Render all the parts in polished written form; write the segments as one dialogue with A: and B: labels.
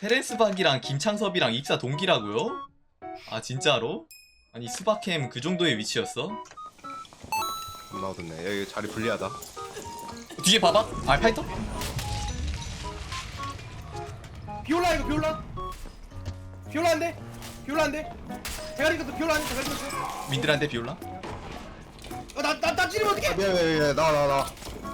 A: 테렌스 박이랑 김창섭이랑 입사 동기라고요? 아 진짜로? 아니 스바캠 그 정도의 위치였어?
B: 겁나 어둡네. 여기 자리 불리하다.
A: 뒤에 봐봐. 아 파이터?
C: 비올라 이거 비올라. 비올라인데? 비올라인데? 대가리 것도 비올라인데 대가리 것도.
A: 민들한테 비올라?
C: 나나 찌르면 어떡해?
B: 미안 나와.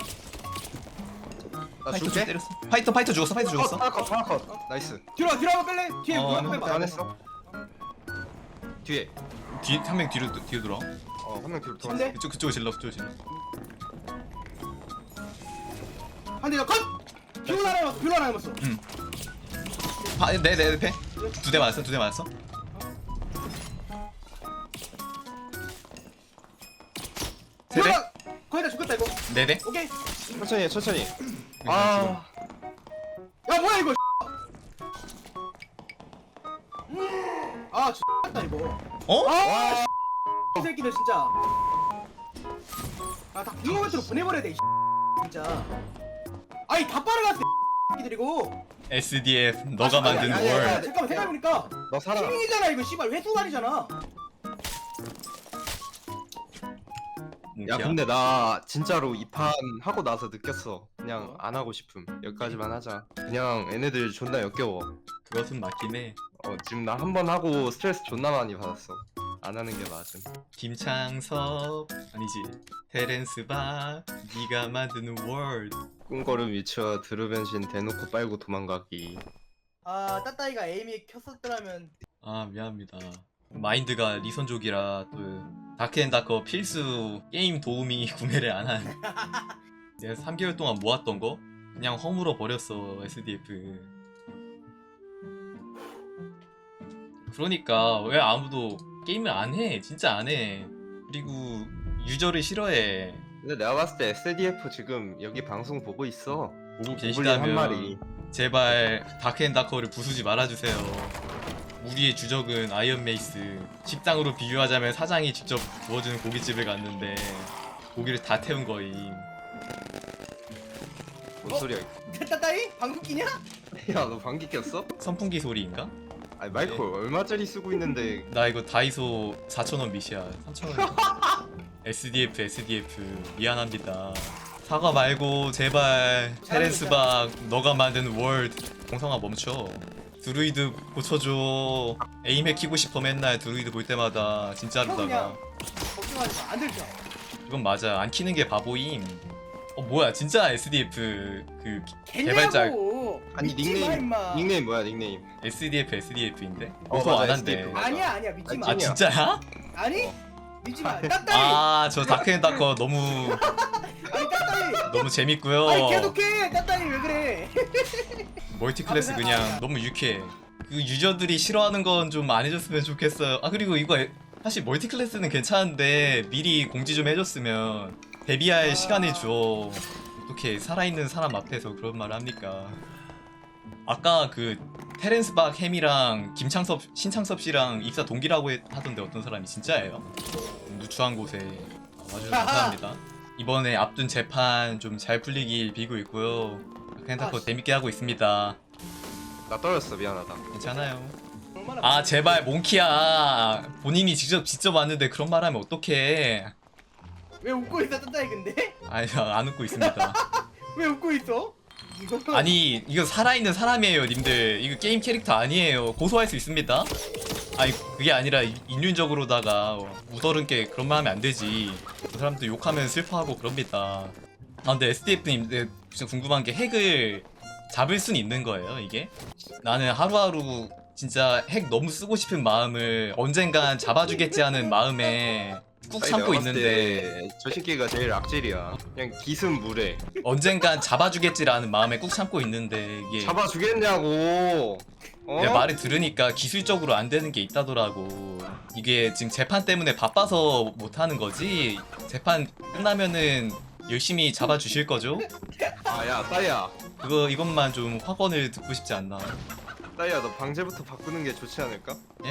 B: 나
A: 파이터 좀
B: 줄게.
A: 때렸어. 파이터 죽었어. 파이터 죽었어.
B: 하나 컷. 나이스.
C: 뒤로 한번 뺄래? 뒤에
A: 어,
C: 한번 빼봐.
B: 안 했어. 뒤에.
A: 뒤 한 명 뒤로 돌아.
B: 한 명 뒤로 돌아.
C: 근데
A: 그쪽을 질러.
C: 한대 더 컷. 비올라 하나 남았어. 비올라 하나 남았어.
A: 내 패. 두 대 맞았어. 세 대?
C: 비올라 거의 다 죽겠다 이거.
A: 네 대?
C: 오케이.
B: 천천히.
A: 아.
C: 야 뭐야 이거? 아 X다 이거.
A: 어?
C: 아 이 새끼들 진짜. 아다 궁금한테로 보내버려야 돼. 이 진짜. 아니 다 빨아갔어. 이 새끼들이고.
A: SDF 너가 만든
C: 아니,
A: 월.
C: 잠깐만 생각해보니까
B: 너 살아.
C: 시민이잖아 이거 씨발 회수말이잖아.
B: 야 근데 나 진짜로 이 판 하고 나서 느꼈어. 그냥 안 하고 싶음. 여기까지만 하자. 그냥 얘네들 존나 역겨워.
A: 그것은 맞긴 해.
B: 지금 나 한 번 하고 스트레스 존나 많이 받았어. 안 하는 게 맞음.
A: 김창섭 아니지. 테렌스 박 네가 만든 월.
B: 꿈걸음 위쳐 드루변신 대놓고 빨고 도망가기.
C: 아 따따이가 에임이 켰었더라면.
A: 아 미안합니다. 마인드가 리선족이라 또 다크앤다커 필수 게임 도우미 구매를 안 한. 내가 3개월 동안 모았던 거 그냥 허물어 버렸어 SDF. 그러니까 왜 아무도 게임을 안 해? 진짜 안 해. 그리고 유저를 싫어해.
B: 근데 내가 봤을 때 SDF 지금 여기 방송 보고 있어.
A: 보고
B: 고블린 한 마리.
A: 계시다면 제발 다크앤다커를 부수지 말아주세요. 우리의 주적은 아이언메이스. 식당으로 비유하자면 사장이 직접 구워주는 고깃집을 갔는데 고기를 다 태운 거임.
B: 뭔 소리야?
C: 따따이? 방귀 끼냐?
B: 야 너 방귀 꼈어?
A: 선풍기 소리인가?
B: 아니 마이크
A: 네.
B: 얼마짜리 쓰고 있는데.
A: 나 이거 다이소 4,000원 미시야. 3,000원. SDF 미안합니다. 사과 말고 제발 테렌스 박 너가 만든 월드 공성아 멈춰. 드루이드 고쳐줘. 에임에 키고 싶어 맨날 드루이드 볼 때마다 진짜로다가.
C: 그냥 걱정하지 마. 안 들죠.
A: 그건 맞아. 안 키는 게 바보임. 뭐야 진짜 SDF 그 개발자
C: 개발자.
B: 아니 닉네임 뭐야 닉네임?
A: SDF인데
B: 어,
A: 고소
B: 맞아,
A: 안 한대.
B: SDF.
C: 아니야 믿지 마.
A: 아
B: 찐이야.
A: 진짜야?
C: 아니 믿지 마. 따따이.
A: 아 저 다크앤다커 너무
C: 아니 따따이.
A: 너무 재밌고요.
C: 아니 계속해. 따따이 왜 그래?
A: 멀티 클래스 그냥 너무 유쾌해. 그 유저들이 싫어하는 건 좀 안 해줬으면 좋겠어요. 아 그리고 이거 사실 멀티 클래스는 괜찮은데 미리 공지 좀 해줬으면 데뷔할 시간을 줘. 어떻게 살아있는 사람 앞에서 그런 말을 합니까? 아까 그 테렌스 박 햄이랑 신창섭 씨랑 입사 동기라고 하던데 어떤 사람이 진짜예요? 누추한 곳에 와주셔서 감사합니다. 이번에 앞둔 재판 좀 잘 풀리길 빌고 있고요. 다크앤다커 재밌게 하고 있습니다.
B: 나 떨었어 미안하다.
A: 괜찮아요.
C: 얼마나
A: 아 제발 몽키야. 본인이 직접 왔는데 그런 말하면 어떡해.
C: 왜 웃고 있어 따따이 근데?
A: 아니 안 웃고 있습니다.
C: 왜 웃고 있어? 이거
A: 아니 이거 살아있는 사람이에요 님들. 이거 게임 캐릭터 아니에요. 고소할 수 있습니다. 아니 그게 아니라 인륜적으로다가 우더른게 그런 말 하면 안 되지. 그 사람도 욕하면 슬퍼하고 그럽니다. 아 근데 SDF님 진짜 궁금한 게 핵을 잡을 순 있는 거예요 이게? 나는 하루하루 진짜 핵 너무 쓰고 싶은 마음을 언젠간 잡아주겠지 하는 마음에 꾹
B: 아니,
A: 참고
B: 내가 봤을
A: 있는데
B: 때 저 새끼가 제일 악질이야. 그냥 기승 무례.
A: 언젠간 잡아주겠지라는 마음에 꾹 참고 있는데 이게
B: 잡아주겠냐고.
A: 내 말을 들으니까 기술적으로 안 되는 게 있다더라고. 이게 지금 재판 때문에 바빠서 못 하는 거지. 재판 끝나면은 열심히 잡아주실 거죠?
B: 아야 따야.
A: 이것만 좀 확언을 듣고 싶지 않나.
B: 따야 너 방제부터 바꾸는 게 좋지 않을까?
A: 예?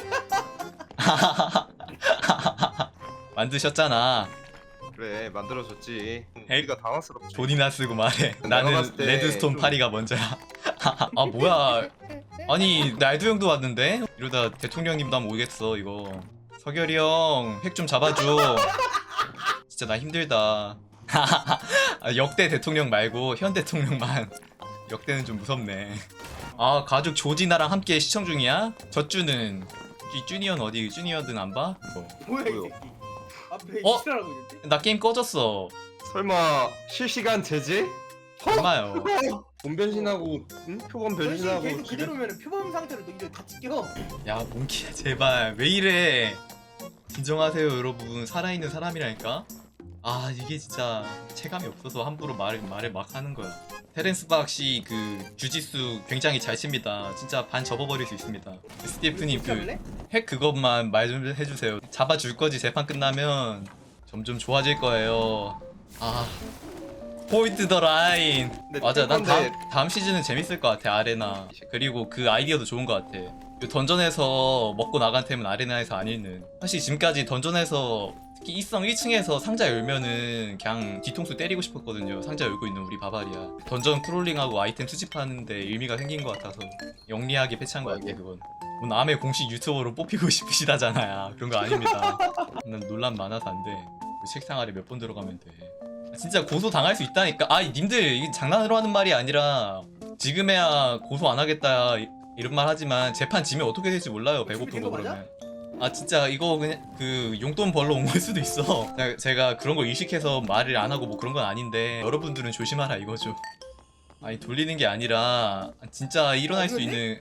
A: 만드셨잖아.
B: 그래 만들어줬지.
A: 에이,
B: 우리가 당황스럽지.
A: 돈이나 쓰고 말해.
B: 내가
A: 나는
B: 봤을 때
A: 레드스톤
B: 좀-
A: 파리가 먼저야. 아 뭐야? 아니 날도 형도 왔는데? 이러다 대통령님도 한번 오겠어 이거. 서결이 형 획 좀 잡아줘. 진짜 나 힘들다. 아, 역대 대통령 말고 현 대통령만. 역대는 좀 무섭네. 아 가족 조지나랑 함께 시청 중이야? 젖주는 이 주니어는 어디 주니어든 안 봐? 뭐.
C: 뭐야 이
B: 뭐요?
C: 새끼. 앞에
A: 어?
C: 이시라고 있는데.
A: 나 게임 꺼졌어.
B: 설마 실시간 제재?
A: 얼마요?
B: 본 변신하고 응? 표본
C: 변신
B: 변신하고
C: 계속 그대로면 표범 상태로 이제 다 찍혀.
A: 야 몽키야 제발 왜 이래. 진정하세요 여러분. 살아있는 사람이라니까. 아 이게 진짜 체감이 없어서 함부로 말을 막 하는 거야. 테렌스 박씨 그 주짓수 굉장히 잘 칩니다. 진짜 반 접어버릴 수 있습니다. 스티프님 그 핵 그것만 말 좀 해주세요. 잡아줄 거지. 재판 끝나면 점점 좋아질 거예요. 아 포인트 더 라인.
B: 근데
A: 맞아 난
B: 근데-
A: 다음 시즌은 재밌을 것 같아. 아레나. 그리고 그 아이디어도 좋은 것 같아. 그 던전에서 먹고 나간 템은 아레나에서 안 읽는. 사실 지금까지 던전에서 특히 이성 1층에서 상자 열면은 그냥 뒤통수 때리고 싶었거든요. 상자 열고 있는 우리 바바리아. 던전 크롤링하고 아이템 수집하는데 의미가 생긴 것 같아서 영리하게 패치한 것 같아 그건. 뭐 남의 공식 유튜버로 뽑히고 싶으시다잖아요. 그런 거 아닙니다. 난 논란 많아서 안 돼. 그 책상 아래 몇 번 들어가면 돼. 진짜 고소 당할 수 있다니까. 아 님들 이게 장난으로 하는 말이 아니라 지금에야 고소 안 하겠다 이런 말 하지만 재판 지면 어떻게 될지 몰라요. 배고프고 그러면. 아 진짜 이거 그냥 그 용돈 벌러 온 걸 수도 있어. 제가 그런 거 의식해서 말을 안 하고 뭐 그런 건 아닌데 여러분들은 조심하라 이거죠. 아니 돌리는 게 아니라 진짜 일어날 수 있는.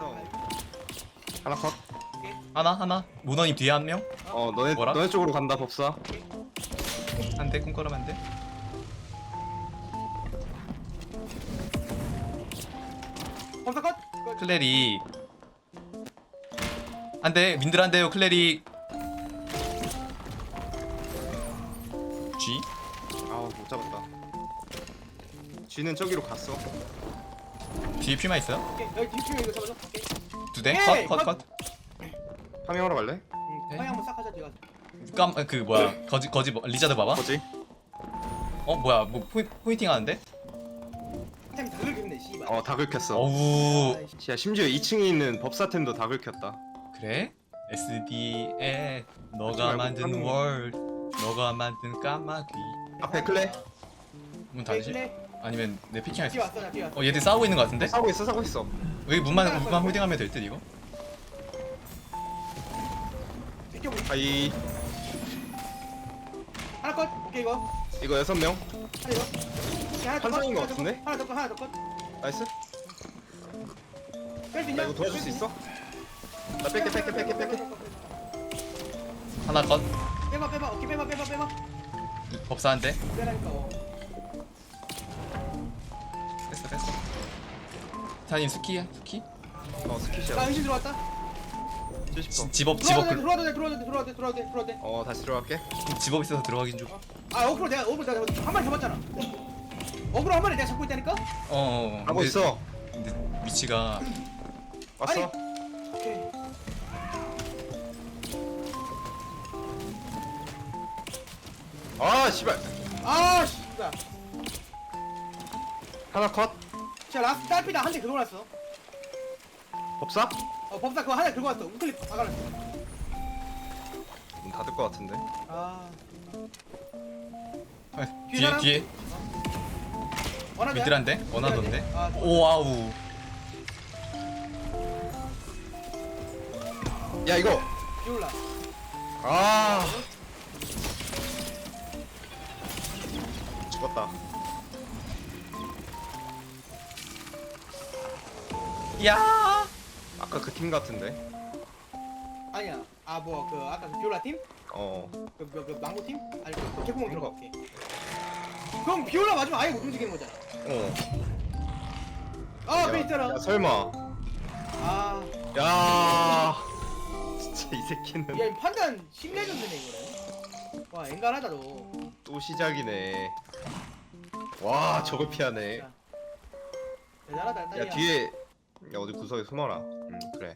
B: 하나 컷.
A: 하나 모너님 뒤에 한 명?
B: 너네
A: 뭐라?
B: 너네 쪽으로 간다 법사.
A: 한 대 꿈꿔라면 안 돼?
C: 검사 컷.
A: 클레릭 한 대 민들 한 대요. 클레릭 G?
B: 아우 못 잡았다. 쥐는 저기로 갔어.
A: 뒤에 퓨마 있어요?
C: 오케이 여기 뒤쪽에 이거 잡아줘. 오케이.
A: 두 대?
C: 에이,
A: 컷.
B: 파밍하러 갈래?
C: 파이 한번 싹 하자 제가.
A: 그 뭐야 거지 리자드 봐봐.
B: 뭐지?
A: 뭐야 뭐 포인팅 하는데?
C: 템다 긁겠네 씨발.
B: 다 긁혔어.
A: 어우
B: 야 심지어 2층에 있는 법사템도 다 긁혔다.
A: 그래? SD에 너가
B: 하지 말고
A: 만든
B: 하는 거.
A: 월 너가 만든 까마귀.
B: 앞에 클레
A: 문 닫으시? 아니면 내 피킹 할 수
C: 뒤에
A: 있어?
C: 왔어 나 뒤에 왔어.
A: 얘들 싸우고 있는 거 같은데?
B: 싸우고 있어.
A: 여기 문만 홀딩하면 될 듯 이거?
C: 비켜보기.
B: 하이
C: 하나 컷. 오케이 이거.
B: 이거 6명.
C: 하나 이거. 오케이, 하나 더 컷,
B: 환상인 거
C: 하나 더
B: 같은데?
C: 컷, 하나 더 컷, 하나 더 컷.
B: 나이스.
C: 뺄수
B: 나
C: 있냐?
B: 이거 도와줄 수 있어? 나 뺄게.
A: 하나 컷
C: 빼봐. 오케이 빼봐.
A: 법사 한 대.
C: 빼라니까.
A: 됐어 타님 스키야? 스키?
C: 나
B: 스키시야.
C: 의심 들어왔다.
B: 70%.
A: 집업
C: 들어와도 돼.
B: 다시 들어갈게.
A: 집업 있어서 들어가긴 좀.
C: 어그로 내가 한 마리 잡았잖아. 어그로 한 마리 내가 잡고 있다니까?
A: 하고
B: 하고 있어.
A: 근데 위치가
B: 왔어.
C: 오케이.
B: 아 씨발.
C: 아 씨발.
B: 하나 컷.
C: 자 라스트 딸피다 한 대 긁어놨어.
B: 법사?
C: 법사 그거 한 대 긁어놨어. 우클릭 박아놨어.
B: 문 닫을 것 같은데.
C: 아
A: 뒤에
C: 원하자.
A: 미들한데? 원하던데?
C: 아,
A: 오와우
B: 야 이거.
C: 비올라.
B: 아. 죽었다.
A: 야
B: 아까 그 팀 같은데.
C: 아니야. 그 아까 그 비올라 팀?
B: 어.
C: 그 망고 팀? 아니 그 개구멍 들어가. 오케이. 그럼 비올라 맞으면 아예 못 움직이는 거잖아. 아, 앞에 있잖아.
B: 야 설마.
C: 아,
B: 야. 진짜 이 새끼는
C: 야, 이 판단 신뢰좀 되네 이거는. 와, 앵간하다 너.
B: 또 시작이네. 와 저걸 피하네.
C: 진짜. 대단하다, 딸이야.
B: 야 뒤에. 야 어디 구석에 숨어라. 그래.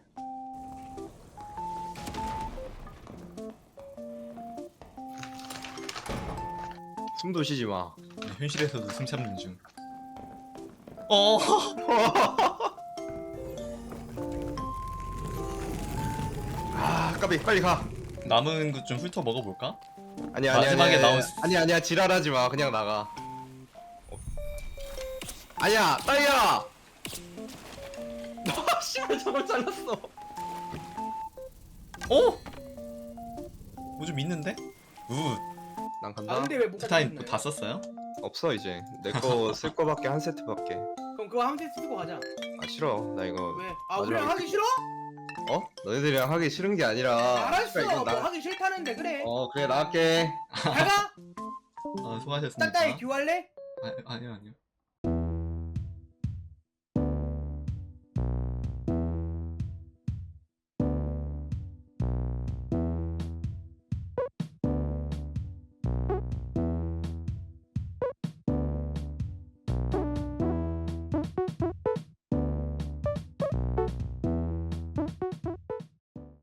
B: 숨도 쉬지 마.
A: 현실에서도 숨 참는 중
B: 까비 빨리 가.
A: 남은 것 좀 훑어 먹어볼까?
B: 아니야
A: 마지막에 나온
B: 아니야 지랄하지 마 그냥 나가. 아니야 따이야. 아 씨발 저걸 잘랐어.
A: 어? 뭐 좀 있는데? 굿.
B: 난
C: 아
B: 간다.
C: 근데 왜못
A: 스타임 다 썼어요?
B: 없어 이제 내 거 쓸 거밖에 한 세트밖에.
C: 그럼 그거 한 세트 쓰고 가자.
B: 아 싫어 나 이거.
C: 왜? 아
B: 마지막에
C: 우리랑 하기 싫어?
B: 어? 너희들이랑 하기 싫은 게 아니라.
C: 알았어.
B: 씨발, 이거
C: 뭐 하기 싫다는데 그래.
B: 그래 나갈게.
C: 잘 가.
A: 수고하셨습니다.
C: 따따이 듀할래?
A: 아니요.